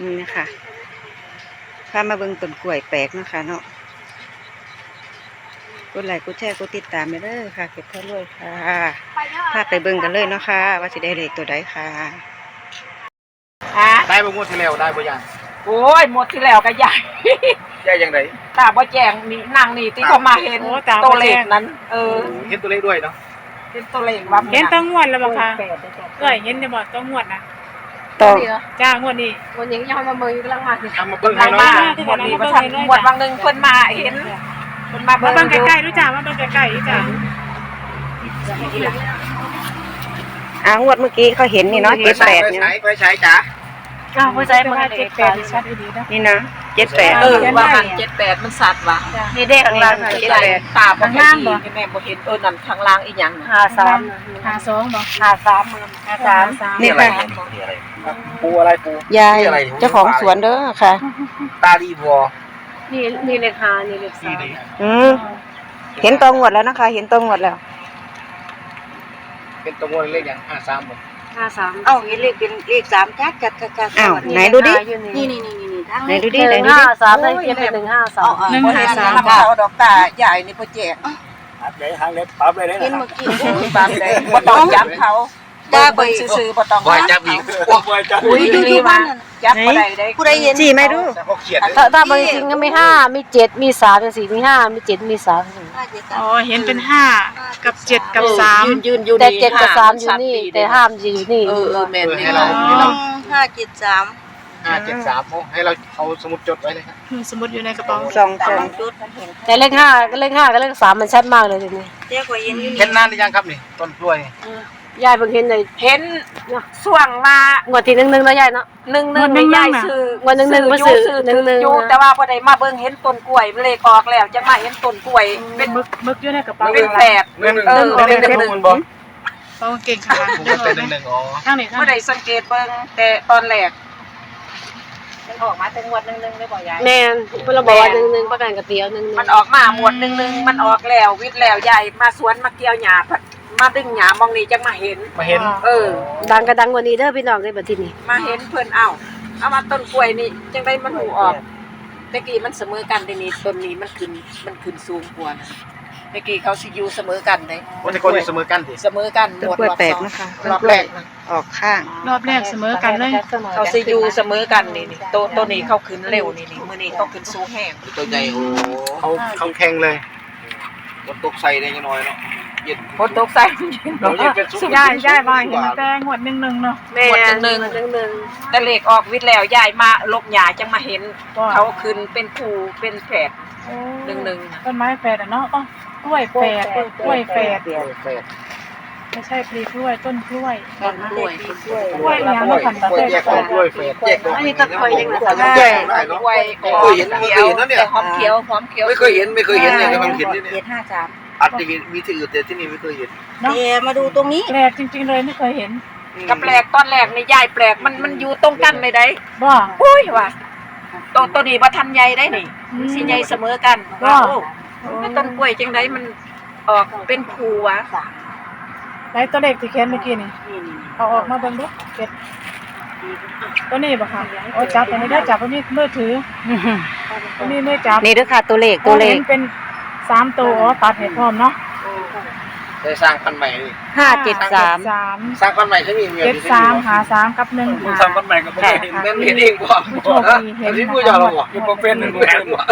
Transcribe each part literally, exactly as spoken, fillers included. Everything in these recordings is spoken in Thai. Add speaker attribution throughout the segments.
Speaker 1: นี่ค่ะพามาเบิ่งต้นกล้วยแปลกเนาะค่ะเนาะกดไลค์กดแชร์กดติดตามไปเด้อค่ะเก็บเท่าด้วยค่ะพาไปเบิ่งกันเลยเนาะค่ะว่าสิได้เลขตัวใดค่ะ
Speaker 2: ได้บ่งวดที่แล้วได้บ่ยัง
Speaker 3: โอ้ยหมดที่แล้วก็ใหญ่
Speaker 2: ใหญ่ยังไง
Speaker 3: ตาบ่แจ้งนี่นั่งนี่ที่เขามาเห็นตัวเลขนั้นเออ
Speaker 2: เห็นตัวเลขด้วยเนาะ
Speaker 3: เห็นตัวเลขว่า
Speaker 4: เห็นต้องงวดแล้วบ่คะเอ้ยเห็นจะบ่ต้องงวดนะ
Speaker 1: ต่อ
Speaker 4: จ้างวดนี้
Speaker 3: วันนี้ยังมาเมืองกำลังมา
Speaker 2: ทำมาเบิ่งให้เนาะ
Speaker 3: หมดนี้บ่ทันหมดบางนึงเพิ่นมาเห็นเพิ่นมา
Speaker 4: เบิ่งใกล้ๆรู้จักว่าเบิ่งใกล้ๆจ้ะ
Speaker 1: อ่างวดเมื่อกี้เขาเห็นนี่เนาะเจ็ดแปด
Speaker 2: นี่ไปใช้จ๋า
Speaker 4: อ้าวผู้ชายมันเจ็ดแปดชัดดีนะ
Speaker 1: นี่นะเจ็ดแปด
Speaker 3: เออว่าหันเจ็ดแปดมันสัตว์ว่ะ
Speaker 1: นี่เด็กข้างล่างเจ็ดแปด
Speaker 3: ตาบ่เห็นแม่บ่เห็นเออนั่นข้างล่างอีหยัง
Speaker 4: ห้าสามห้าสองบ่ห้าสามห้าสาม
Speaker 1: นี่ค่ะ
Speaker 2: ปูอะไรปู
Speaker 1: ยายเจ้าของสวนเด้อค่ะ
Speaker 2: ตาดีบัว
Speaker 3: นี่นี่เลขห้านี่เลขสาม
Speaker 1: อืมเห็นตองวดแล้วนะคะเห็นตองวดแล้ว
Speaker 2: เป็นตัวงวดเลขอย่างห้าสามบ่
Speaker 3: ห้าสาม
Speaker 1: เอ้าเห็นเลขเป็นเลขสามชัดชัดชัดอ้าวไหนดูดิ
Speaker 3: นี่นี่นี่นี่
Speaker 1: ไหนดูดิไหนดูดิ
Speaker 3: ห้าสามได้เจ็ดหนึ่งห้าสาม
Speaker 4: หนึ่งห้าสาม
Speaker 3: เอาดอกตาใหญ่นี่พ่อแจก
Speaker 2: อัดเลยหางเล็บปั๊บเลยได้
Speaker 3: เห็นเมื่อกี้ปั๊บเลยบ่ต้องจับเขาจ้าไปซื้อๆบ่ต้อง
Speaker 2: บ่จับอีกบ่จับ
Speaker 3: อุ้ยดูๆว่าจับบ่ได้ได้
Speaker 1: ผู้ใดเห็นจี้ไหมดู
Speaker 3: ถ้าถ้าบางจริงก็มีห้ามีเจ็ดมีสามมีสี่มีห้ามีเจ็ดมีสาม
Speaker 4: อ๋อเห็นเป็นห้ากับเจ็ดกับสาม
Speaker 3: ยืนอยู่แต่เจ็ดกับสามอยู่นี่แต่ห้ามอยู่นี่
Speaker 2: เออเออแม่นให้เรา
Speaker 3: ห้าเจ็ดสาม
Speaker 2: ห้าเจ็ดสามโอ้ให้เราเอาสมุดจดไว้เลยครับ
Speaker 4: สมุดอยู่ในกระเป๋า
Speaker 1: สองสอง
Speaker 3: แต่เลขห้าก็เลขห้ากับเลขสามมันชัดมากเลยทีนี้
Speaker 1: เจ๊กว่าเห็นอยู่
Speaker 2: เห็นนานหรือยังครับนี่ต้นกล้วย
Speaker 3: ยายเพิ่งเห็นเลยเห็นช่วงมางวดที่หนึ่งหนึ่งแล้วยายเนาะหนึ่งหนึ่งไม่ยายซื้องวดหนึ่งหนึ่งมาซื้อหนึ่งหนึ่งอยู่แต่ว่าพอได้มาเบิ่งเห็นต้นกล้วยเลขออกแล้วจะมาเห็นต้นกล้วยเป็น
Speaker 4: มึกมึกอยู่ในกระเป๋า
Speaker 3: เป็นแฝด
Speaker 2: หนึ่งเออเป็นหนึ่งหนึ่งบ่
Speaker 4: เขาเก่งค่ะ
Speaker 2: เป็นหนึ่งหนึ่งอ๋อ
Speaker 4: ทางนี้
Speaker 3: พอได้สังเกตเบิ่งแต่ตอนแรกมันออกมาแต่งวดหนึ่งหนึ่งได้บ่ยายแม่นเพิ่นบอกว่าหนึ่งหนึ่งประกันกระเตียวหนึ่งมันออกมาหมวดหนึ่งหนึ่งมันออกแล้ววิทย์แล้วยายมาสวนมาเกี่ยวหญ้ามาดึงหญ้ามองนี่จังมาเห็น
Speaker 2: มาเห็น
Speaker 3: เออดังกระดังกว่านี้เด้อพี่น้องได้บัดทีนี้มาเห็นเพิ่นเอ้าเอามาต้นกล้วยนี่จังได๋มันหูออกตะกี้มันเสมอกันทีนี้ต้นนี้มันขึ้นมันขึ้นสูงกว่าตะกี้เขาสิอยู่เสมอกันเด้
Speaker 2: วันนี้คนเสมอกันสิ
Speaker 3: เสมอกัน
Speaker 1: หมดรอบแปลกนะคะ
Speaker 3: รอบแรก
Speaker 1: ออกข้าง
Speaker 4: รอบแรกเสมอกันเลย
Speaker 3: เขาสิอยู่เสมอกันนี่นี่โตต้นนี้เขาขึ้นเร็วนี่นี่มื้อนี้เขาขึ้นสูงแฮง
Speaker 2: ตัวใหญ่โอ้เขาเขาแข็งเลยฝนตกใส่ได้ยังน้อยเนาะเย็น
Speaker 3: ฝนตกใส่
Speaker 4: ยายยายมาเห็นแต่งวดหนึ่งหนึ่งเนาะ
Speaker 3: แม่หนึ่งหนึ่งหนึ่งแต่เลขออกวิทย์แล้วยายมาลบหญ้าจังมาเห็นเขาขึ้นเป็นคู่เป็นแฝดหนึ่งหนึ่ง
Speaker 4: ต้นไม้แฝดอ่ะเนาะอ๋อกล้วยแฝดกล้วยแฝดไม่ใช่ปลีกล้วยต้นกล้วย
Speaker 3: ต้นกล้วย
Speaker 4: กล้วยยังไม่ผ่านตาเต้
Speaker 2: แยกกล้วยแฝดแยก
Speaker 3: อันนี้ก็เคยยังไง
Speaker 2: แยกได้เนาะ
Speaker 3: กล้วย
Speaker 2: เคยเห็นไม่เคยเห็นนะเนี่ย
Speaker 3: หอมเขียวหอมเขียว
Speaker 2: ไม่เคยเห็นไม่เคยเห็นเนี่ยกำลังเห็นนี่
Speaker 3: เนี่ยห้าสาม
Speaker 2: อาจจะมีที่อื่นแต่ที่นี่ไม่เคยเห็น
Speaker 3: เดี๋ยวมาดูตรงนี้
Speaker 4: แปลกจริงๆเลยไม่เคยเห็น
Speaker 3: กับแปลกตอนแรกในยายแปลกมันมันอยู่ตรงกันเลยได้
Speaker 4: บ่
Speaker 3: อุ้ยว่ะตัวตัวนี้บ่ทันใหญ่ได้นี่สิใหญ่เสมอกันว่าโอ้ต้นกล้วยจังได๋มันออกเป็นภูวะ
Speaker 4: ไหนตัวเลขที่เขียนเมื่อกี้นี่เอาออกมาเบิ่งดูเก็บตัวนี้บ่ค่ะโอ้จับตัวนี้ได้จับตัวนี้มือถือตัวนี้มือจับ
Speaker 1: นี่เด้อค่ะตัวเลขตัวเลข
Speaker 4: เป็นสามตัวอ๋อตัดให้พร้อมเนาะ
Speaker 2: ได้สร้างพันธุ์ใหม่ดิ
Speaker 1: ห้าเจ็ดสาม
Speaker 2: สร้างพันธุ์ใหม่ใช่มี
Speaker 4: เจ็ดสามหาสามกับหนึ่งหา
Speaker 2: สร้างพันธุ์ใหม่ก็ไม่เห็นแม่เห็นเองบ่อันนี้ผู้ยอมบ่ยังบ่เป็นแม่บ่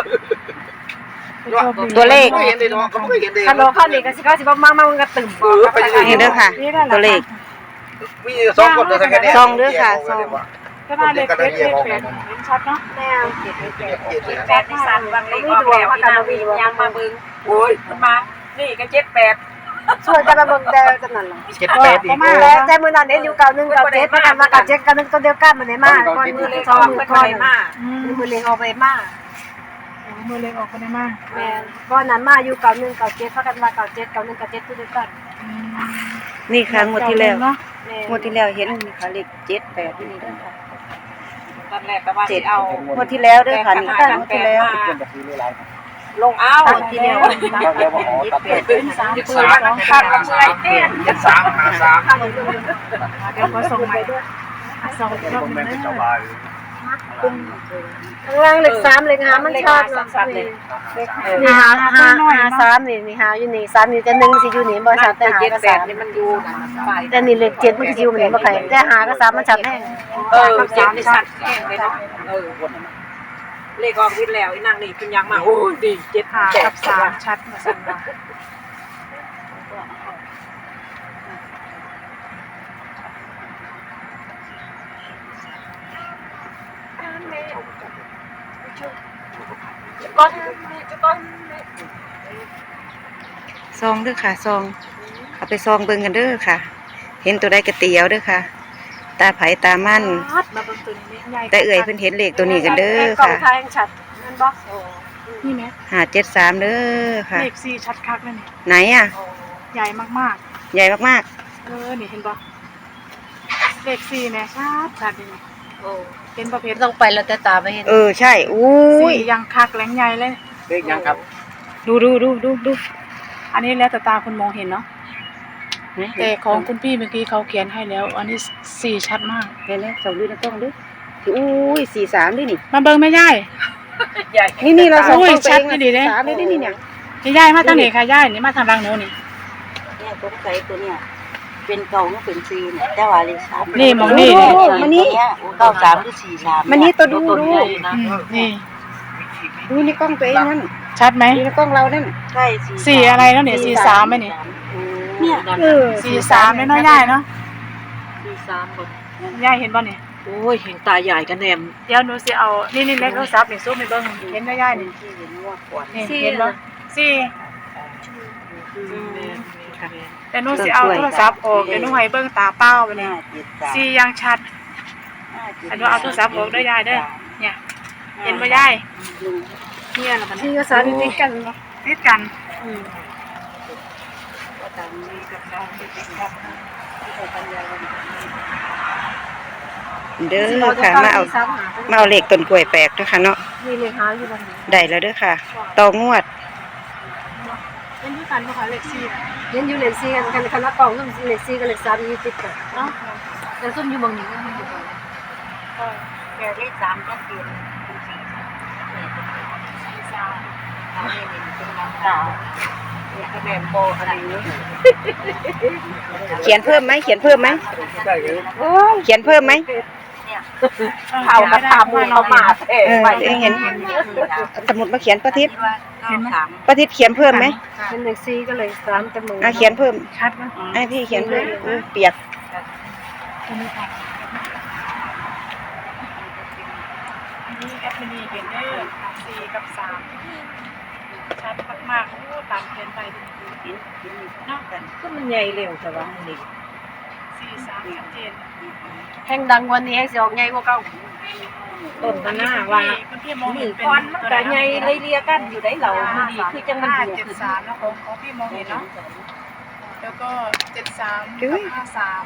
Speaker 1: ตัวเลข
Speaker 2: เห็นได้เนาะก็ไม่เห็นได้
Speaker 3: คันโลเข้านี่ก็สิเขาสิบ่มามามันก็ตึมบ่
Speaker 1: นี่เด้อค่ะตัวเลข
Speaker 2: มีสองคนเด้อแค่นี้
Speaker 1: ซองเด้อค่ะซอง
Speaker 4: ก็น่าเลขเลขเลขแปดเห็นชัดเนาะ
Speaker 3: แม่เจ็ดแปดแปดที่สั่นบางเลขออกแล้วกันมาวิ่งยังมาเบิ่งโอ้ยมันมานี่ก็เจ็ดแปดช่วยกันมาเบิ่งแต่จังนั้นล่ะ
Speaker 2: เจ็ดแปดอีก
Speaker 3: แล้วแต่มื้อนั้นเห็นอยู่เก้าหนึ่งเก้าเจ็ดมากันมากับเจ็ดกับหนึ่งตัวเดียวกันมันได้มาก่อนมื้อเลขออกเพิ่นบ่ได้มามื้อเลขออกไปมา
Speaker 4: มือเล็กออกไปได้มาก
Speaker 3: แม่ก้อนนั้นมาอยู่เก่าหนึ่งเก่าเจ็ดเขากันมาเก่าเจ็ดเก่าหนึ่งเก่าเจ็ดทุกเดือน
Speaker 1: นี่ค่ะงวดที่แล้วงวดที่แล้วเห็นนี่ค่ะเลขเจ็ดแปดนี่เด้อค่ะ
Speaker 3: ตอนแรกก็ว่าสิเอา
Speaker 1: งวดที่แล้วเด้อค่ะนี่ค่ะงวดที่แล้ว
Speaker 3: ลงเอาทีเดียว
Speaker 2: เจ็ดสาม
Speaker 3: ขาดกับเมื่อยเต้น
Speaker 2: เจ็ดสามห้าสาม
Speaker 4: เดี๋ยวก็ส่งใหม่ด้วยส่งรอบนึง
Speaker 3: ข้างล่างเลขสามเลขห้ามันชอบเนาะนี่หาหาหาสามนี่นี่หาอยู่นี่สามนี่แต่หนึ่งสิอยู่นี่บ่ชัดแต่หากับสามนี่มันอยู่แต่นี่เลขเจ็ดมันสิอยู่นี่บ่ใครแต่หากับสามมันชัดแน่เออเจ็ดนี่ชัดแน่เลยเนาะเออเลขออกวิทย์แล้วอีนางนี่เป็นยังมาโอ้ดีเจ็ด
Speaker 4: หากับสามชัดมาสั่นว่า
Speaker 3: ก้อนก้อน
Speaker 1: ซองเด้อค่ะซองเอาไปซองเบิ่งกันเด้อค่ะ เห็นตัวใดก็ตีเอาเด้อค่ะ ตาไผตามัน
Speaker 4: มาเบิ่งตัวนี้ใหญ่
Speaker 1: แต่เอ่ยเพิ่นเห็นเลขตัวนี้กันเด้อ
Speaker 3: ค่ะ
Speaker 1: ค่ะ
Speaker 3: ชัดมันบ่
Speaker 4: นี่ไหม
Speaker 1: ห้าเจ็ดสามเด้อค่ะ
Speaker 4: เลขสี่ชัดคักเลยนี่
Speaker 1: ไหนอ่ะ
Speaker 4: ใหญ่มาก
Speaker 1: ใหญ่มาก
Speaker 4: ๆเออนี่เห็นบ่เลขสี่เนี่ยชัดชัดเลยนี่
Speaker 3: โอ้
Speaker 4: เห็นประเภท
Speaker 3: ต้องไปแล้วแต่ตาไปเห็น
Speaker 1: ๆเออใช่อุ้ย
Speaker 4: สี่ยังคักแหลงใหญ่เลย
Speaker 2: เลขยังครับ
Speaker 1: ดูดูดูดูดู
Speaker 4: อันนี้แล้วแต่ตาคุณมองเห็นเนาะแต่ของคุณพี่เมื่อกี้เขาเขียนให้แล้ว อันนี้สี่ชัดมาก
Speaker 1: เห็นแล้วส่องดูในกล้องดูอุ้ยสี่สามดินี่
Speaker 4: มาเบิ่งแม่ย่าย
Speaker 3: ใหญ่
Speaker 1: นี่นี่เราส่อง
Speaker 4: อุ้ย
Speaker 1: กล้องตัว
Speaker 4: ชั
Speaker 1: เอ
Speaker 4: ด
Speaker 1: ง
Speaker 4: นี่ดิเด้
Speaker 1: สามเลยดินี่เนี่ย
Speaker 4: พี่ย่ายมาทางไหนค่ะย่ายนี่มาทางรังหนูนี่
Speaker 5: เนี่ยสงสัยตัวเนี่ยเป็นเก่าก็เป็นซีเนี่ยแต่ว่าเลยสาม
Speaker 4: นี่มองนี่
Speaker 1: ดู
Speaker 4: นี่
Speaker 1: ดูมันนี่
Speaker 5: เก้าสามหรือสี่สาม
Speaker 1: มันนี่ตัวดูดู
Speaker 4: อืมนี่
Speaker 1: ดูในกล้องตัวเองนั่น
Speaker 4: ชัดไหม
Speaker 1: ดูในกล้องเรานั่น
Speaker 5: ใช่
Speaker 4: สี่อะไรแล้วเนี่ยสี่สามไหมนี่
Speaker 5: เนี่ย
Speaker 1: เออ
Speaker 4: สี่สามเลยเนาะย่ายเนาะ
Speaker 3: สี่สามคน
Speaker 4: ย่ายเห็นบ่นี่
Speaker 3: โอ้ยเห็นตาใหญ่กันแนม
Speaker 4: เดี๋ยวหนูสิเอานี่นี่เล็กโทรศัพท์นี่ซุปไปเบิ่งเห็นไหมย่ายนี่
Speaker 5: ที่เห็นว่าขวด
Speaker 4: นี่เห็นบ่สี่แต่หนูสิเอาโทรศัพท์ออกเดี๋ยวหนูให้เบิ่งตาเป้าไปนี่
Speaker 5: ห้าเจ็ดสาม
Speaker 4: สี่ยังชัด อันนี้เอาโทรศัพท์ออกได้ยายเด้อเนี่ยเห็นบ่ยายเนี่ยล่ะมัน
Speaker 3: สี่กับสามติดกันเนาะ
Speaker 4: ติดกัน
Speaker 3: อืม
Speaker 1: เด้อค่ะมาเอามาเอาเลขต้นกล้วยแปลกด้วยค่ะเนาะ
Speaker 3: นี่เลขหาอยู่บัดนี้
Speaker 1: ได้แล้วเด้อค่ะต่องวด
Speaker 4: เป็นด้วยกันบ่คะเลขสี่
Speaker 3: เห็นอยู่เลขสี่กันกันคณะกองซุ่มเลขสี่กับเลขสามอยู่ติดกัน
Speaker 4: เนาะ
Speaker 3: แต่ซุ่มอยู่บางนี้ก็มันอยู่กัน
Speaker 4: ก็
Speaker 5: แต่เลขสามก็เปลี่ยนเป็นสี่
Speaker 4: สี่สาม
Speaker 5: สามเนี่ยเป็นน้ำตาเนี่ยคะแนนโบอะไรนี้
Speaker 1: เขียนเพิ่มไหมเขียนเพิ่มไหม
Speaker 2: ใช่ครับ
Speaker 1: เขียนเพิ่มไหม
Speaker 3: เผากระทามูเขามาเอ้
Speaker 1: เออ
Speaker 3: ไป
Speaker 1: เองเห็นเอาสมุดมาเขียนประทิศ
Speaker 5: เห็นไหม
Speaker 1: ประทิศเขียนเพิ่มไหม
Speaker 3: เป็นเลขสี่ก็เลขสามแต่มือ
Speaker 1: อ่ะเขียนเพิ่ม
Speaker 4: ชัดมั้ย
Speaker 1: ไอ้พี่เขียนเพิ่มอุ้ยเปียก
Speaker 4: ตัวนี้ค่ะอันนี้แอปมินีเห็นเด้อสี่กับสามชัดมากๆโอ้ตามเขียนไปเนาะ
Speaker 3: ก็มันใหญ่เร็วแต่ว่านี่
Speaker 4: สี่สามชัดเจน
Speaker 3: แห่งดังวันนี้แห่งสิออกใหญ่กว่าเก่าต้นกันหน้าว่า
Speaker 4: คุณพี่มอง
Speaker 3: มื
Speaker 4: เห็
Speaker 3: อน
Speaker 4: เป็น
Speaker 3: ก้อนมันก็ใหญ่เลยเรียกันอยู่ได้เหล่ามันดีคือจังมัน
Speaker 4: ห้า
Speaker 3: อยู่
Speaker 4: เจ็ด
Speaker 3: ขึ้น
Speaker 4: สามนะของของพี่มองเห็นเนาะแล้วก็เจ็ดสามกับห้าสาม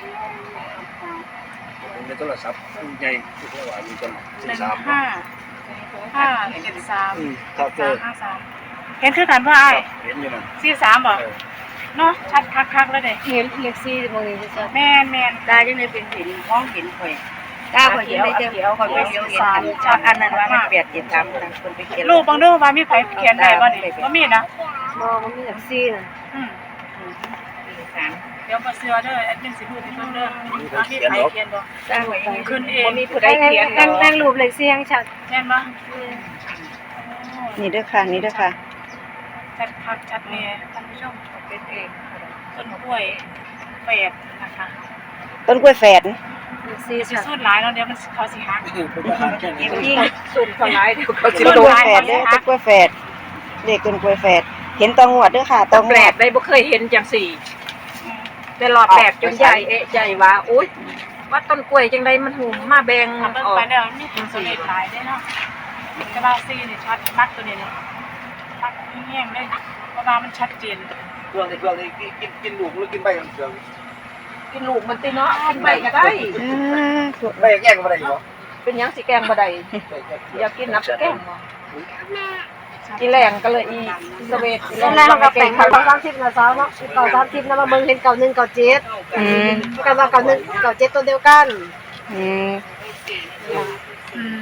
Speaker 2: ในโทรศัพท์ใหญ่ทุกระหว่างมีจน
Speaker 4: หนึ่ง
Speaker 2: สาม
Speaker 4: ห้าห้าเจ็ดสาม
Speaker 2: ครับเจ
Speaker 4: สา
Speaker 2: อ
Speaker 4: มห้าสามเห็นคือกันว่าไอ้
Speaker 2: เห็นอยู่นะ
Speaker 4: สี่สามบอกเนาะชัดคักๆแล้วเด้
Speaker 3: เห็นเลขสี่บางทีจะ
Speaker 4: แม่นแม่น
Speaker 5: ตาจังเลยเป็นเห็นมองเห็นข่อยตาข่อยเห็นได้จังข่อยไปเห็นเห็นอันอันนั้นว่ามันแปดเจ็ดสามต่างคนไปเขียน
Speaker 4: ลูกบางดูว่ามีไผเขียนได้บ่นี่บ่มีนะ
Speaker 3: มองมันมีเลขสี่น่ะ
Speaker 4: อืม
Speaker 5: สาม
Speaker 4: เดี๋ยวบ่เชื่อเด้อแอดมินสิพูดให้เพิ่นเด้อว่ามีไผเขียนบ่
Speaker 5: ตาข่อยเห็น
Speaker 4: ขึ้นเอง
Speaker 5: มีผู้ใดเขียน
Speaker 3: แห่งแห่งรูปเลขสี่แห่งชัด
Speaker 4: แม่นบ่
Speaker 1: นี่เด้อค่ะนี่เด้อค่ะ
Speaker 4: ชัดคักชัดแน่ท่านผู้ชม
Speaker 5: เป็นเอง
Speaker 4: ต้นกล้วยแปดนะคะ
Speaker 1: ต้นกล้วยแฝด
Speaker 3: เลขสี่
Speaker 4: สิ
Speaker 3: ชัด
Speaker 4: สูดหลายแล้วเดี๋ยวมันเขาสิหัก
Speaker 5: ยิ่งสุดคนร้ายเดี๋ยวเขา
Speaker 1: ต้นกล้วยแฝดเด้อต้นกล้วยแฝดเลขต้นกล้วยแฝดเห็นตองวดเด้อค่ะตอง
Speaker 3: แป
Speaker 1: ว
Speaker 3: ล
Speaker 1: ด
Speaker 3: กได้บ่เคยเห็นจังสี่แต่รอบแรกจนใหญ่เอ๊ะใหญ่ว่าอุ้ยว่าต้นกล้วยจังไดมันหุ่มมาแบ่ง
Speaker 4: ทำเบิ่ง
Speaker 3: ออก
Speaker 4: ไปแล้วมีผลสำเร็จหลายได้เนาะแต่ว่าซีนี่ชัดมักตัวนี้เลยมักแห้งเลยเพราะว่ามันชัดเจน
Speaker 2: เครื่องในเครื่องนี้กินกินลูกหรือกินใบของเครื่อง
Speaker 3: กินลูกมันติเนาะกินใบก็ได้
Speaker 1: อ่า
Speaker 2: ใบแง่งก็ได้เหรอ
Speaker 3: เป็นหยังสิแกงบ่ได้อยากกินน้ำแกงบ่อีแรงก็เลยอีสเวทอีแรงก็เป็นเก่าสามสิบนะสาวเนาะเก่าสามสิบนะมาเบิ่งเห็นเก่าหนึ่งเก่าเจ็ด
Speaker 1: อืม
Speaker 3: กันว่าเก่าหนึ่งเก่าเจ็ดตัวเดียวกัน
Speaker 1: อืม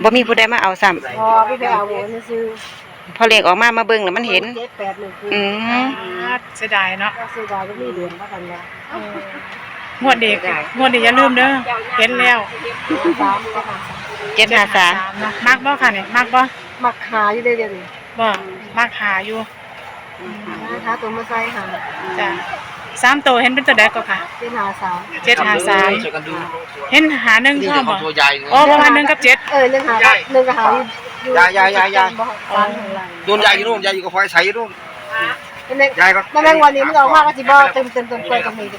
Speaker 1: บ่มีผู้ใดมาเอาซ้ำ
Speaker 3: พอพี่ไปเอาหมูซื้อ
Speaker 1: พอเลขออกมามาเบิ่งแล้วมันเห็น
Speaker 3: เจ็ดแปดหนึ่งคือ
Speaker 1: อืม
Speaker 4: เสียดายเนาะ
Speaker 3: ก็ซื้อได้ก็มีเดือนว่ากันแล้ว
Speaker 4: เอองวดเด็กงวดนี้อย่าลืมเด้อเห็นแล้ว
Speaker 3: สามก็มา
Speaker 1: เจ็ดห้าสาม
Speaker 4: นะมักบ่ค่ะนี่มักบ่
Speaker 3: มักหาอยู่เดี๋ยวนี้
Speaker 4: บ่มักหาอยู่
Speaker 3: นะคะตัวมาใส่หา
Speaker 4: จ้ะสามตัวเห็นเป็นตัวใดก็ค่ะ
Speaker 3: เป็นหาสาม
Speaker 4: เจ็ดหาสาม
Speaker 2: ช่วยกันดู
Speaker 4: เห็นหาหนึ่ง
Speaker 2: นี่
Speaker 4: พ่อ
Speaker 2: จะข
Speaker 4: บ่
Speaker 2: องตัวใหญ่
Speaker 4: อ๋อประมาณหนึ่งกับเจ็ด
Speaker 3: เออหนึ่งหาหนึ่งหาอยู่ฟังข้างหลัง
Speaker 2: โดนใหญ่อยู่นู่นใหญ่อยู่กับไฟใสอยู่นู่น
Speaker 3: เป็นเล็ก
Speaker 2: ใหญ่ก็
Speaker 3: แม่แมงวันนี้มันออกมาก็สิบ่เต็มเต็มต้นกล้วยตรงนี้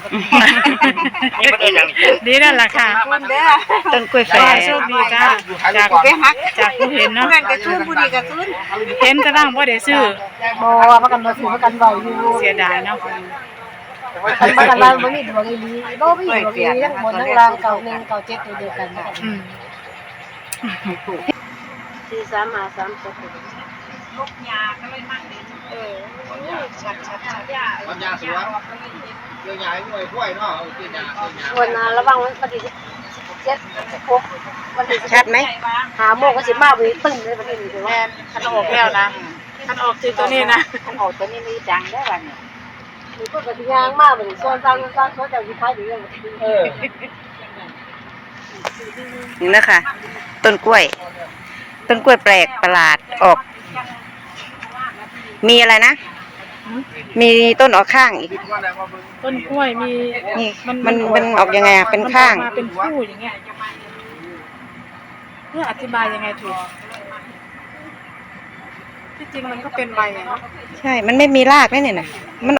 Speaker 4: ดีนั่นแหละค่ะ
Speaker 5: มันเด้อ
Speaker 1: ต้นกล้วยแฝ
Speaker 4: ขอ
Speaker 1: ด
Speaker 4: ให้โชคดีจ้าจาก
Speaker 5: ไปฮัก
Speaker 4: จากผู้เห็นเนาะ
Speaker 5: เพื่อนกระตุ้นผู้ดีกระตุ้น
Speaker 4: เห็นแต่ร่างบ่ได้ซื้อ
Speaker 3: บ่ประกันบ่ซื้อประกันเบาอยู่
Speaker 4: เสียดายเนาะ
Speaker 3: ประกันเราบ่มีดวงอีหลีบ่มีดวงอีหลีทั้งบนทั้งล่างเก่าหนึ่งเก่าเจ็ดตัวเดียวกัน
Speaker 4: อืม
Speaker 3: สี่สามหาสามตก
Speaker 4: ชัดชัดชัด
Speaker 2: มันยาสวนเรื่องใหญ่หน่วยกล้วยเนาะเออเรื่องใหญ่เรื่องใหญ่
Speaker 3: วันนั้นระวังวันที่เจ็ดสิบหกวันที่
Speaker 1: ชัดไหม
Speaker 3: หาโมงก็สิมาวิ่งตึ้งเลยวันนี้นี่
Speaker 4: แม่นคันออกแล้วนะคันออกคือตัวนี้นะ
Speaker 5: อันออกตัวนี้มีจังได้วันนี้
Speaker 3: มีคนก็สิย่างมาบัดนี้ส่วนสร้างสร้างเขาจะสิขายดีกัน
Speaker 2: เออ
Speaker 1: นี่นะคะต้นกล้วย ต้นกล้วยแปลกประหลาดออก มีอะไรนะ มีต้นออกข้างอีก
Speaker 4: ต้นกล้วยมี
Speaker 1: นี่มันมันออกยังไงอะเป็นข้าง
Speaker 4: มันออกมาเป็นคู่อย่างเงี้ยเพื่ออธิบายยังไงถูกที่จริงมันก็เป็นใบอะเนาะ
Speaker 1: ใช่ มันไม่มีรากนี่เนี่ยนะ
Speaker 4: อ